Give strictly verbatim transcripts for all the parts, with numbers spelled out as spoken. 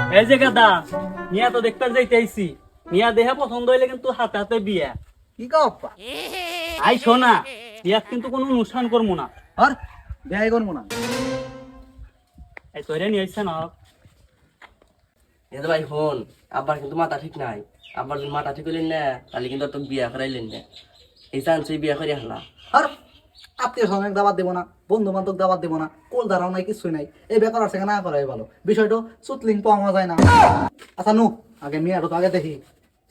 এই যে গাদা মিয়া তো দেখতে যাইতে আইছি মিয়া দেহা পছন্দ হইলে কিন্তু হাতে হাতে বিয়া কি কও আব্বা? আই শোনা বিয়াত কিন্তু কোনো অনুষ্ঠান করবো না আর বিয়ে করবো না। এই তোরে নিয়ে আইছে না এ ভাই হন আব্বার কিন্তু মাথা ঠিক নাই। আব্বার যদি মাথা ঠিক হইলেন না তাহলে কিন্তু আর তো বিয়া করাইলেন না। এই চান্সে বিয়া করে হালা। আর আত্মীয় স্বজন দাবাত দেবো না, বন্ধু বান্ধব দাবাত দেবো না, কোল দাঁড়াও নাই কিছুই নাই। এই বেকার আছে না করাই ভালো। বিষয়টা সুতলিং পাওয়া যায় না। আচ্ছা নু আগে মেয়েটা তো আগে দেখি।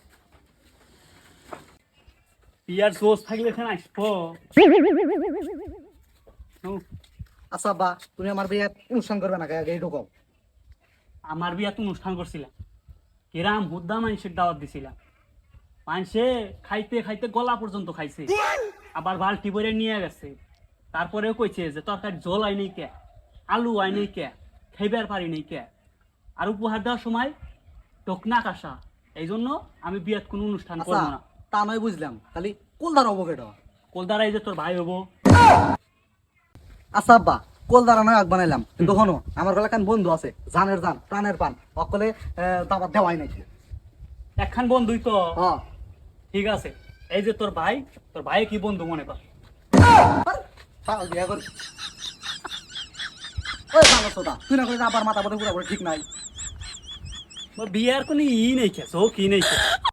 বিয়ার সোস থাকলে এখানে আসবো নু, আচ্ছা বা তুমি আমার বিয়ে অনুষ্ঠান করবে না আগে এইটুকু কও। আমার বিয়াত অনুষ্ঠান করছিলাম কিরাম হুদ্দা মানুষের দাওয়াত দিছিলাম মানুষে খাইতে খাইতে গলা পর্যন্ত খাইছে আবার বালতি ভরে নিয়ে গেছে তারপরেও কইছে যে তরকারি জল আই নেই কে আলু আই নেই কে খাইবার পারি নেই কে আর উপহার দেওয়ার সময় টোকনা কাসা এই জন্য আমি বিয়াত কোনো অনুষ্ঠান আচ্ছা করবো না তা নয় বুঝলাম, খালি কোল দাঁড়াবো কেটা। কোলদারাই যে তোর ভাই হবো আচ্ছা আব্বা কোল দাঁড়ানো আগ বানাইলাম, কিন্তু শোনো আমার গলা কান বন্ধু আছে, জানের জান প্রাণের পান, অকলে দাবাত দেওয়াই নাই। একখান বন্ধুই তো হ্যাঁ ঠিক আছে এই যে তোর ভাই তোর ভাই কি বন্ধু মনে কর পাগল বিয়া কর। ওই ভালো সোদা তুই না করে আবার মাথা বোধ পুরো ঠিক নাই। বিয়ার কোনো ই নেই খেছো কি নেই